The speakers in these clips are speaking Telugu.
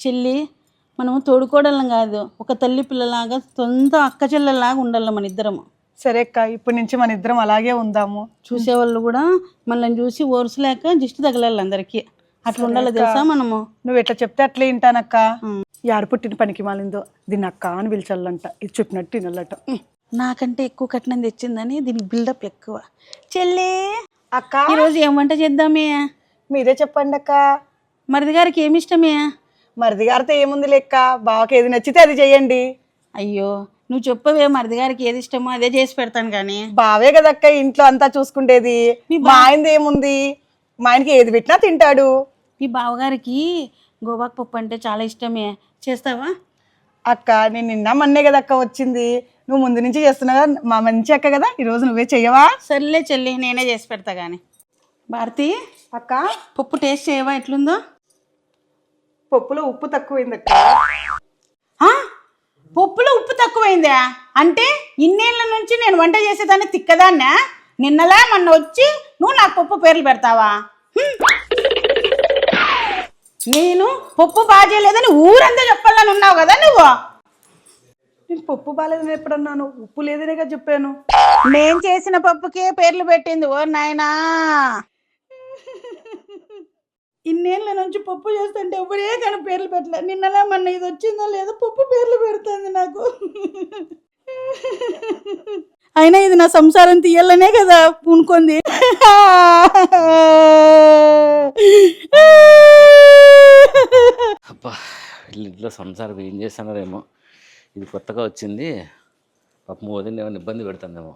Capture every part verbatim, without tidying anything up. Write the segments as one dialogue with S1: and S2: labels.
S1: చెల్లి మనము తోడుకోవడం కాదు, ఒక తల్లి పిల్లలాగా సొంత అక్క చెల్లెలాగా ఉండాలి మన ఇద్దరము.
S2: సరే అక్క, ఇప్పటి నుంచి మన ఇద్దరం అలాగే ఉందాము.
S1: చూసేవాళ్ళు కూడా మనల్ని చూసి ఓర్చలేక దిష్టి తగలాలి అందరికి, అట్లా ఉండాలి తెలుసా మనము.
S2: నువ్వు ఎట్లా చెప్తే అట్లే వింటానక్క. యాడ పుట్టిన పనికి మాలిందో దీన్ని అక్క అని పిలిచాలంట, ఇది చెప్పినట్టు వినాలట.
S1: నాకంటే ఎక్కువ కట్నం తెచ్చిందని దీనికి బిల్డప్ ఎక్కువ. చెల్లి
S2: అక్క
S1: ఈరోజు ఏం వంట చేద్దామే?
S2: మీరే చెప్పండి అక్క.
S1: మరిది గారికి ఏమి ఇష్టమే?
S2: మరిది గారితో ఏముంది లెక్క, బావకి ఏది నచ్చితే అది చెయ్యండి.
S1: అయ్యో నువ్వు చెప్పవే, మరిది గారికి ఏది ఇష్టమో అదే చేసి పెడతాను. కానీ
S2: బావే కదక్క ఇంట్లో అంతా చూసుకుంటేది, మా ఆయనది ఏముంది, మా ఆయనకి ఏది పెట్టినా తింటాడు.
S1: మీ బావగారికి గోవాకు పప్పు అంటే చాలా ఇష్టమే, చేస్తావా?
S2: అక్క నేను నిన్న మొన్నే కదక్క వచ్చింది, నువ్వు ముందు నుంచి చేస్తున్నావు, మా మంచి అక్క కదా, ఈరోజు నువ్వే చెయ్యవా?
S1: సర్లే చెల్లి, నేనే చేసి పెడతా. కానీ భారతి
S2: అక్క
S1: పప్పు టేస్ట్ చేయవా ఎట్లుందో?
S2: పప్పులో ఉప్పు తక్కువైంది అక్క.
S1: పప్పులో ఉప్పు తక్కువైందా అంటే ఇన్నేళ్ళ నుంచి నేను వంట చేసేదాన్ని తిక్కదాన్నా? నిన్నలా మొన్న వచ్చి నువ్వు నాకు పప్పు పేర్లు పెడతావా? నేను పప్పు బాగా చేయలేదని ఊరంతా చెప్పాలని ఉన్నావు కదా నువ్వు.
S2: నేను పప్పు బాగాలేదని ఎప్పుడన్నాను? ఉప్పు లేదనే కదా చెప్పాను.
S1: నేను చేసిన పప్పుకే పేర్లు పెట్టింది. ఓ నాయనా, ఇన్నేళ్ళ నుంచి పప్పు చేస్తుంటే ఎవరే కానీ పేర్లు పెట్టలే. నిన్నలా మొన్న ఇది వచ్చిందో లేదో పప్పు పేర్లు పెడుతుంది నాకు. అయినా ఇది నా సంసారం తీయాలనే కదా పూనుకుంది.
S3: అబ్బా వీళ్ళ ఇంట్లో సంసారం ఏం చేస్తున్నారేమో, ఇది కొత్తగా వచ్చింది. పాపం వదిన ఏమైనా ఇబ్బంది పెడుతుందేమో.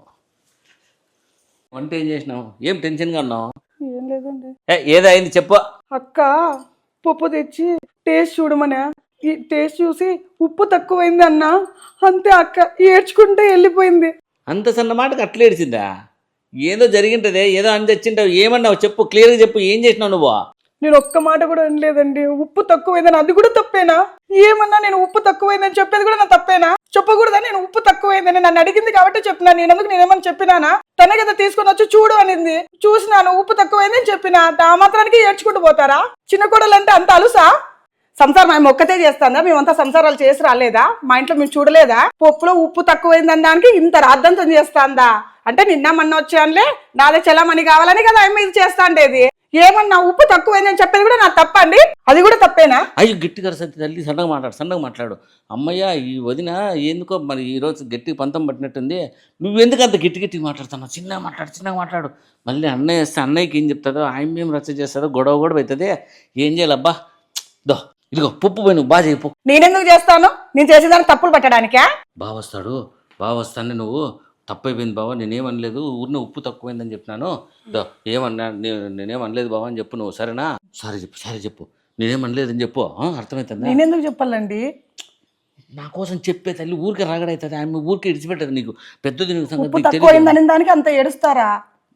S3: వంట ఏం చేసినావు? ఏం టెన్షన్గా ఉన్నావు?
S2: ఏం లేదండి.
S3: ఏ ఏదో అయింది చెప్పు.
S2: అక్క పప్పు తెచ్చి టేస్ట్ చూడమనే, ఈ టేస్ట్ చూసి ఉప్పు తక్కువైంది అన్న, అంతే అక్క ఏడ్చుకుంటే వెళ్ళిపోయింది.
S3: అంత సన్న మాటకు అట్లా ఏడిచిందా? ఏదో జరిగింటదే, ఏదో అని తెచ్చింటావు. ఏమన్నావు చెప్పు, క్లియర్గా చెప్పు. ఏం చేసినావు నువ్వు?
S2: నేను ఒక్క మాట కూడా అనలేదండి. ఉప్పు తక్కువైందని అది కూడా తప్పేనా? ఏమన్నా నేను ఉప్పు తక్కువైందని చెప్పేది కూడా నా తప్పేనా? చెప్పకూడదా నేను ఉప్పు తక్కువైందని? నన్ను అడిగింది కాబట్టి చెప్పినా, నేను ఎందుకు నేనేమని చెప్పినానా? తనే కదా తీసుకొని వచ్చి చూడు అనింది, చూసినాను ఉప్పు తక్కువైందని చెప్పినా. ఆ మాత్రానికి ఏడ్చుకుంటూ పోతారా? చిన్న కోడలు అంటే అంత అలుసా? సంసారం మేము ఒక్కతే చేస్తాందా? మేమంతా సంసారాలు చేసి రాలేదా? మా ఇంట్లో మేము చూడలేదా? పప్పులో ఉప్పు తక్కువైందని దానికి ఇంత రాద్దంతం చేస్తాందా? అంటే నిన్న మొన్న వచ్చానులే, నాదే చలామణి కావాలని కదా ఆమె ఇది చేస్తాండేది. ఏమన్నా ఉప్పు తక్కువైందని చెప్పేది కూడా నా తప్పండి? అది కూడా తప్పేనా?
S3: అయ్యో గట్టిగా సత్తి తల్లి, సన్నగా మాట్లాడు, సన్నగా మాట్లాడు. అమ్మయ్య ఈ వదిన ఎందుకో మరి ఈరోజు గట్టి పంతం పట్టినట్టుంది. నువ్వెందుకు అంత గట్టి గట్టి మాట్లాడుతున్నావు? చిన్నగా మాట్లాడు, చిన్నగా మాట్లాడు. మళ్ళీ అన్నయ్య వస్తే అన్నయ్యకి ఏం చెప్తాడో, ఆయన ఏం రచ్చ చేస్తాడో, గొడవ కూడా అవుతుంది. ఏం చేయాలబ్బా? దో ఇదిగో పప్పు పోయి నువ్వు బాగా చేయపు.
S2: నేనెందుకు చేస్తాను? నేను చేసేదానికి తప్పులు పట్టడానికా?
S3: బాగా వస్తాడు, బాగా వస్తానే నువ్వు తప్పైపోయింది బావా, నేనేమనలేదు, ఊరిని ఉప్పు తక్కువైందని చెప్పినాను. దో ఏమన్నా నేనేమనలేదు బావా అని చెప్పు నువ్వు, సరేనా? సరే చెప్పు, సరే చెప్పు, నేనేమనలేదని చెప్పు. అర్థమవుతుందా?
S2: నేనెందుకు చెప్పాలండి?
S3: నా కోసం చెప్పే తల్లి ఊరికే రాగడవుతుంది. ఆమె ఊరికే ఇడిచిపెట్టదు. నీకు పెద్దది నీకు
S2: ఉప్పు
S3: సంగతి
S2: తక్కువైందని దానికి అంత ఏడుస్తారా?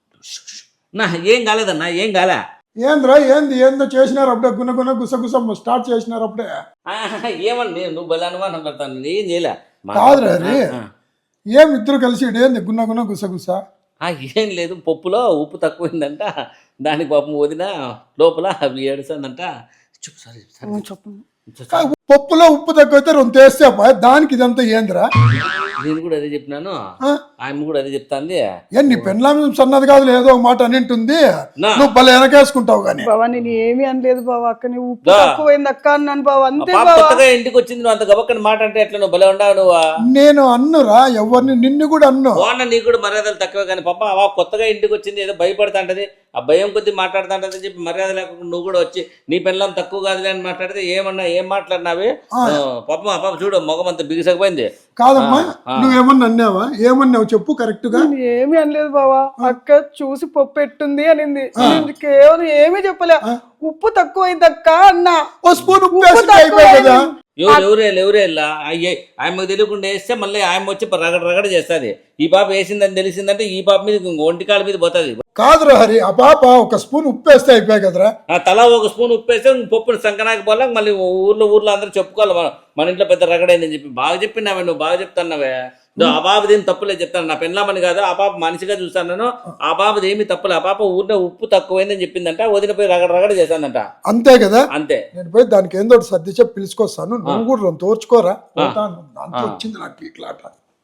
S3: నా ఏం కాలేదన్నా, ఏం కాలే.
S4: ఏంద్రా ఏంది ఏందో చేసినారు అప్పుడే, గున్న గున్న గుసగుస స్టార్ట్ చేసినారు అప్పుడే.
S3: ఏమన్నా నువ్వు బలా అనుమానం పెడతాను, ఏం చేయలే.
S4: కాదురా రే, ఏం ఇద్దరు కలిసి ఏంది గున్న గున్న గుసగుస?
S3: ఏం లేదు, పప్పులో ఉప్పు తక్కువైందంట, దానికి పాపం వదిన లోపల అవి ఏడుస్తుందంట. చెప్పు సరే సరే
S2: చెప్పు.
S4: పప్పులో ఉప్పు తక్కువైతే రెండు తెస్తే దానికి ఇదంతా ఏందిరా?
S3: నేను కూడా అదే చెప్పినాను, ఆమె కూడా అదే చెప్తాంది.
S4: ఏ నీ పెళ్ళాం సన్నది కాదు, ఏదో ఒక మాట అనింటుంది, నువ్వు భలే వెనకేసుకుంటావు. కానీ
S2: బావా నేను ఏమీ అనలేదు బావా, అక్క నీ ఉప్పు తక్కువైంది అక్క అన్నాను బావా, అంతే బావా.
S3: కొత్తగా ఇంటికి వచ్చింది, నువ్వు అంత గబక్కని మాట అంటే ఎట్లా? నువ్వు భలే ఉండవు నువ్వు.
S4: నేను అన్నురా ఎవరిని, నిన్ను కూడా అన్ను.
S3: బాగున్నా, నీకు కూడా మర్యాదలు తక్కువ. కానీ పాప ఆ కొత్తగా ఇంటికి వచ్చింది, ఏదో భయపడుతుంటది, ఆ భయం కొద్ది మాట్లాడుతుంటది అని చెప్పి మర్యాద లేకుండా నువ్వు కూడా వచ్చి నీ పిల్లలు తక్కువ కాదులే అని మాట్లాడితే ఏమన్నా ఏం మాట్లాడినావి? పాపం ఆ పాప చూడు మొగం అంతా బిగిసకపోయింది.
S4: కాదమ్మా, నువ్వేమన్నా అన్నావా? ఏమన్నావు చెప్పు కరెక్ట్ గా.
S2: ఏమీ అనలేదు బావా, అక్క చూసి పప్పు పెట్టుంది అనింది, కేవలం ఏమీ చెప్పలే. ఉప్పు తక్కువైంది అక్క అన్నా.
S4: ఓ స్పూన్ ఉప్పు అయిపోయి కదా.
S3: ఎవరు ఎవరే ఎవరే వెళ్ళా అయ్యే ఆయమ్మకు తెలియకుండా వేస్తే మళ్ళీ ఆయమ్మ వచ్చి రగడ రగడ చేస్తుంది. ఈ పాప వేసిందని తెలిసిందంటే ఈ పాప మీద ఒంటికాల మీద పోతుంది.
S4: కాదురా హరి, ఆ పాప ఒక స్పూన్ ఉప్పు వేస్తే అయిపోయాయి కదరా.
S3: తలా ఒక స్పూన్ ఉప్పు వేస్తే పప్పుని సంకనాకి పోలే, మళ్ళీ ఊర్లో ఊర్లో అందరూ చెప్పుకోవాలి మన ఇంట్లో పెద్ద రగడైందని చెప్పి. బాగా చెప్పినావే నువ్వు, బాగా చెప్తున్నావే. దో, ఆ బాబుది ఏం తప్పులేదు చెప్తాను. నా పెళ్ళామని కాదు, ఆ పాప మనిషిగా చూస్తాను. ఆ బాబుది ఏమి తప్పులే. ఆ పాప ఊరిలో ఉప్పు తక్కువైందని చెప్పిందంట, వదిన పోయి రగడ రగడ చేశానంట.
S4: అంతే కదా,
S3: అంతే.
S4: నేను పోయి దానికి ఏందో ఒకటి సర్ది చెప్పి పిలుచుకొస్తాను. నువ్వు కూడా రెండు తోర్చుకోరా, పోతాను. దాంతో వచ్చింది నాకు ఇట్లాట.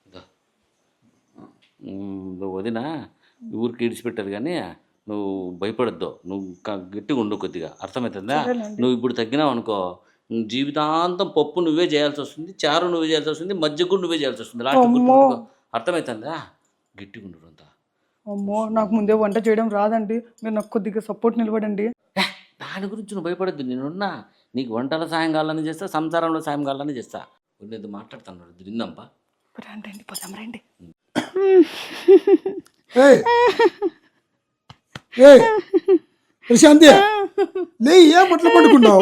S3: నువ్వు వదిన ఊరికి ఇడిచిపెట్టారు కానీ నువ్వు భయపడద్దు. నువ్వు క- గట్టిగా ఉండు కొద్దిగా, అర్థమవుతుందా? నువ్వు ఇప్పుడు తగ్గినావు అనుకో, జీవితాంతం పప్పు నువ్వే చేయాల్సి వస్తుంది, చారు నువ్వే చేయాల్సి వస్తుంది, మజ్జిగ కూడా నువ్వే చేయాల్సి వస్తుంది. లాస్ట్ గుర్తుపెట్టుకో, అర్థమవుతుందా? గట్టిగా ఉండు అంతా.
S2: అమ్మో, నాకు ముందే వంట చేయడం రాదండి, మీరు నాకు కొద్దిగా సపోర్ట్ నిలబడండి.
S3: దాని గురించి నువ్వు భయపడద్దు, నేనున్నా. నీకు వంటల సాయం కావాలని చేస్తా, సంసారంలో సాయం కావాలని చేస్తా. నేను మాట్లాడుతున్నాడు తిందాంపా.
S2: రండి, పోదాం రండి.
S4: ఏయ్ ఏయ్ ప్రశాంతి, లే, ఏం అట్లా పడుకున్నావు?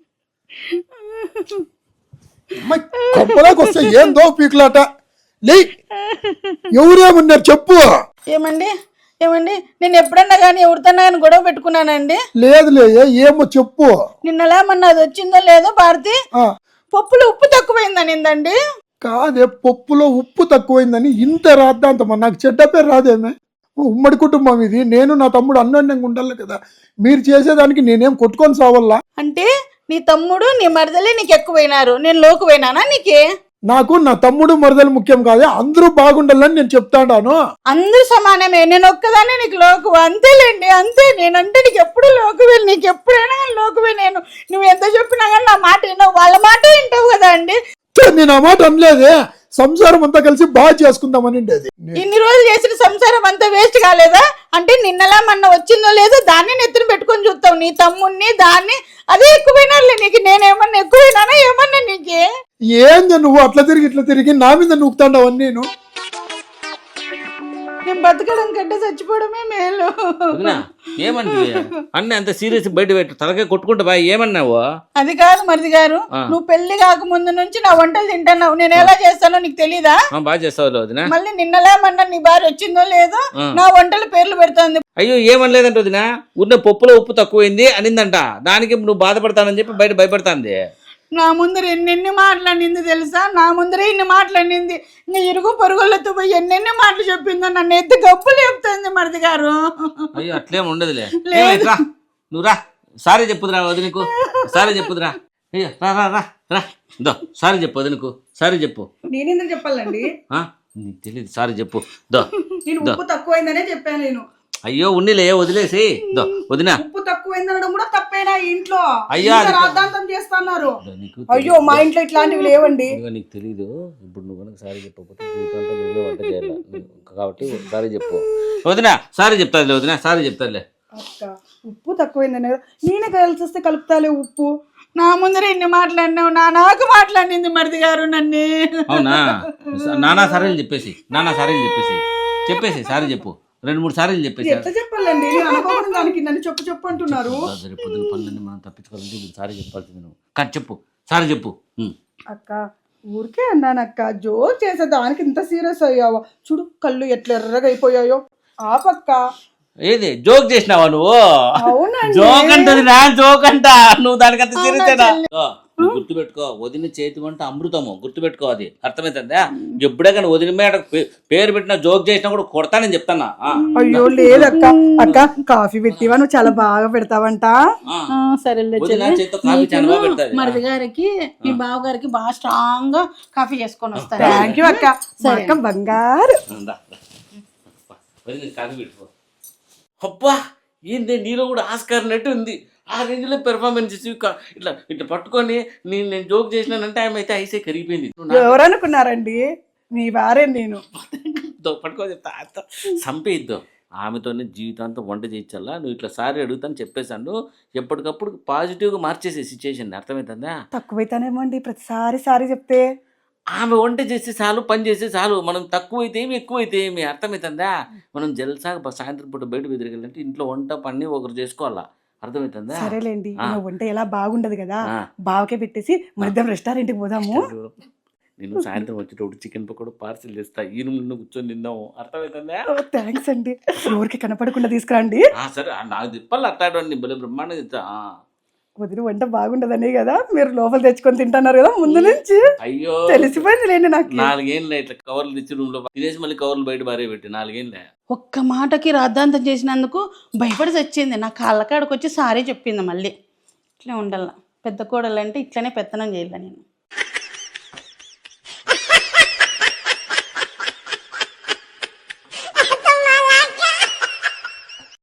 S4: అమ్మాయి కప్పలాకి వస్తే ఏందో పీకులాట. లే, ఎవరేమన్నారు చెప్పు.
S1: ఏమండి ఏమండి నేను ఎప్పుడన్నా కానీ ఎవరితోన్నా కానీ గొడవ పెట్టుకున్నానండి?
S4: లేదులే, ఏమో చెప్పు.
S1: నిన్నలా మొన్న అది వచ్చిందో లేదో భారతి,
S4: ఆ,
S1: పప్పులో ఉప్పు తక్కువైందనిందండి.
S4: కాదే, పప్పులో ఉప్పు తక్కువైందని ఇంత రాద్దాంతమ్మా, నాకు చెడ్డ పేరు రాదేమే. ఉమ్మడి కుటుంబం ఇది, నేను నా తమ్ముడు అన్యోన్యంగా ఉండాలి కదా. మీరు చేసేదానికి నేనేం కొట్టుకొని సావల్లా?
S1: అంటే నీ తమ్ముడు నీ మరదలే నీకు ఎక్కువైనారు, నేను లోకువైనానా నీకే?
S4: నాకు నా తమ్ముడు మరదలు ముఖ్యం కాదే, అందరూ బాగుండాలని నేను చెప్తాడాను.
S1: అందరూ సమానమే, నేను ఒక్కదాన్ని నీకు లోకువ. అంతేలేండి, అంతే. నేనంటే నీకు ఎప్పుడు లోకువే, నీకు ఎప్పుడైనా కానీ లోకువే. నేను నువ్వు ఎంత చెప్పినా కానీ నా మాట వినవు, వాళ్ళ మాట వింటావు కదా అండి.
S4: ఛే, నేను ఆ మాట అనలేదే, సంసారం అంతా కలిసి బాగా చేసుకుందామని ఉండేది.
S1: ఇన్ని రోజులు చేసిన సంసారం అంతా వేస్ట్ కాలేదా? అంటే నిన్నలా మొన్న వచ్చిందో లేదో దాన్ని నెత్తిన పెట్టుకొని చూస్తావు, నీ తమ్ముడిని దాన్ని. అదే ఎక్కువైనారులే నీకు. నేనేమన్నా ఎక్కువైనానా ఏమన్నా నీకే?
S4: ఏంది నువ్వు అట్లా తిరిగి ఇట్లా తిరిగి నా మీద నూకుతాండావు అని? నేను
S1: నేను బతకడం కంటే చచ్చిపోవడమే మేలు.
S3: వదినా, ఏమంటే అన్నీ అంత సీరియస్ బయట పెట్టు, తలకాయ కొట్టుకుంటా బాయ్. ఏమన్నావు?
S1: అది కాదు మరిది గారు, నువ్వు పెళ్లి కాక ముందు నుంచి నా వంటలు తింటున్నావు. నేను ఎలా చేస్తానో నీకు తెలీదా?
S3: బాగా చేస్తావు వదినా.
S1: మళ్ళీ నిన్నలా మొన్న నీ భార్య వచ్చిందో లేదో నా వంటల పేర్లు పెడుతోంది.
S3: అయ్యో, ఏమనలేదంట వదినా, ఉన్న పప్పులో ఉప్పు తక్కువైంది అనిందంట. దానికి నువ్వు బాధపడతానని చెప్పి బయట భయపడతాంది.
S1: నా ముందర ఎన్నెన్ని మాట్లాడింది తెలుసా? నా ముందరే ఇన్ని మాట్లాడింది. ఇంకా ఇరుగు పొరుగులతో పోయి ఎన్నెన్ని మాటలు చెప్పిందో, నన్ను ఎత్తి గబ్బులు చెప్తుంది మరిది గారు.
S3: అయ్యో, అట్లేం ఉండదులే. ఏమైతే నువ్వు రా, సారీ చెప్పుదురా వదినకు, సారీ చెప్పుదురా. అయ్యో, రా రా రా రా దో, సారీ చెప్పు వదినకు, సారీ చెప్పు.
S2: నేనేందని చెప్పాలండి?
S3: నీకు తెలియదు, సారీ చెప్పు. దో,
S2: నేను ఉప్పు తక్కువైందనే చెప్పాను నేను.
S3: అయ్యో ఉన్నిలే, వదిలేసి. దో వదినా,
S2: ఉప్పు తక్కువైందనడం కూడా తప్పేనా ఇంట్లో?
S3: అయ్యా,
S2: ఇంత రాద్ధాంతం చేస్తున్నారు.
S3: నీకు
S2: అయ్యో, మా ఇంట్లో ఇట్లాంటివి లేవండి.
S3: ఇదిగో నీకు తెలీదు. ఇప్పుడు నువ్వు కనుక సారీ చెప్పకపోతే జీవితంలో నువ్వే వంట చేయాలి కాబట్టి సారీ చెప్పు వదినా. సారీ చెప్తాదిలే వదినా, సారీ చెప్తాదిలే.
S2: అక్క, ఉప్పు తక్కువైందనే కదా, నేనే కలిసి వస్తే కలుపుతాలే ఉప్పు.
S1: నా ముందర ఇన్ని మాట్లాడినావు, నా నాకు మాట్లాడింది మరిది గారు నన్ను.
S3: అవునా? నానా సారీలు చెప్పేసి, నానా సారీలు చెప్పేసి చెప్పేసి సారీ చెప్పు. రెండు మూడు సారీలు చెప్పేసి.
S2: ఎట్లా చెప్పాలండి? నేను అనుకోకుండా దానికి నన్ను చెప్పు చెప్పు అంటున్నారు.
S3: రేపు పొద్దున పనులన్నీ మనం తప్పించుకోవాలంటే ఇప్పుడు సారీ చెప్పాల్సింది నువ్వు. కానీ చెప్పు, సారీ చెప్పు.
S2: అక్క, ఊరికే అన్నాను అక్క, జోక్ చేసే దానికి ఇంత సీరియస్ అయ్యావా? చూడు కళ్ళు ఎట్లా ఎర్రగా అయిపోయాయో. ఆ పక్క
S3: ఏది జోక్ చేసినావా నువ్వు?
S2: అవునండి.
S3: జోక్ అంటది నా, జోక్ అంట. నువ్వు దానికంత సీరియసేనా? నువ్వు గుర్తుపెట్టుకో, వదిన చేతి వంట అమృతము, గుర్తుపెట్టుకో. అది అర్థమవుతుందా? ఎప్పుడే కానీ వదిన మీద పేరు పెట్టిన జోక్ చేసినా కూడా కొడతానని చెప్తానా?
S2: అయ్యో లేదక్క. అక్క, కాఫీ పెట్టివా? నువ్వు చాలా బాగా పెడతావంట.
S1: సరేలే,
S3: వదిన చేతితో కాఫీ చాలా బాగా పెడతాది.
S1: మరిది గారికి మీ బావ గారికి బాగా స్ట్రాంగ్ గా కాఫీ చేసుకొని వస్తాను.
S2: థ్యాంక్ యూ అక్క. మా అక్క బంగారు.
S3: వదిన కాఫీ పెట్టుకో. అబ్బా, ఏంటి నీలో కూడా ఆస్కార్ నట్టు ఉంది. ఆ రేంజ్లో పెర్ఫార్మెన్స్ ఇట్లా ఇట్లా పట్టుకొని నేను నేను జోక్ చేసినానంటే ఆమె అయితే ఐసే కరిగిపోయింది.
S2: ఎవరనుకున్నారండి? మీ వారే నేను.
S3: పట్టుకో చెప్తా, చంపేద్దాం. ఆమెతోనే జీవితాంతం వంట చేయించాలా. నువ్వు ఇట్లా సారీ అడుగుతాను చెప్పేశాను. ఎప్పటికప్పుడు పాజిటివ్గా మార్చేసే సిచ్యువేషన్, అర్థమవుతుందా?
S2: తక్కువైతేనేమో అండి ప్రతిసారి సారీ చెప్తే.
S3: ఆమె వంట చేస్తే చాలు, పని చేస్తే చాలు. మనం తక్కువైతే ఏమి ఎక్కువైతే ఏమి, అర్థమవుతుందా? మనం జల్సాగా సాయంత్రం పూట బయట బెదిరికెళ్ళంటే ఇంట్లో వంట పని ఒకరు చేసుకోవాలా, అర్థమవుతుందా?
S2: సరేలేండి, నా వంట ఎలా బాగుండదు కదా, బావకే పెట్టేసి మధ్యాహ్నం రెస్టారెంట్కి పోదాము.
S3: నేను సాయంత్రం వచ్చేటప్పుడు చికెన్ పకోడా పార్సిల్ చేస్తా, ఈ రూమ్ కూర్చొని తిందాము, అర్థమవుతుందా?
S2: థ్యాంక్స్ అండి. ఫ్లోర్కి కనపడకుండా తీసుకురండి.
S3: సరే, నాకు తిప్పాలి అట్టాడు బలే బ్రహ్మాండంగా చెప్తా.
S2: వదిన వంట బాగుండదనే కదా మీరు లోపల తెచ్చుకొని తింటున్నారు కదా ముందు నుంచి
S3: అయ్యో
S2: తెలిసిపోయింది లేండి నాకు.
S3: నాలుగేళ్ళే ఇట్లా కవర్లు తెచ్చి రూమ్ లో తినేసి మళ్ళీ కవర్లు బయట బారే పెట్టి నాలుగేళ్ళే.
S1: ఒక్క మాటకి రాద్ధాంతం చేసినందుకు భయపడి చచ్చింది. నా కాళ్ళ కాడకు వచ్చి సారీ చెప్పింది. మళ్ళీ ఇట్లే ఉండాల, పెద్ద కోడలు అంటే ఇట్లనే పెత్తనం చేయాలి నేను.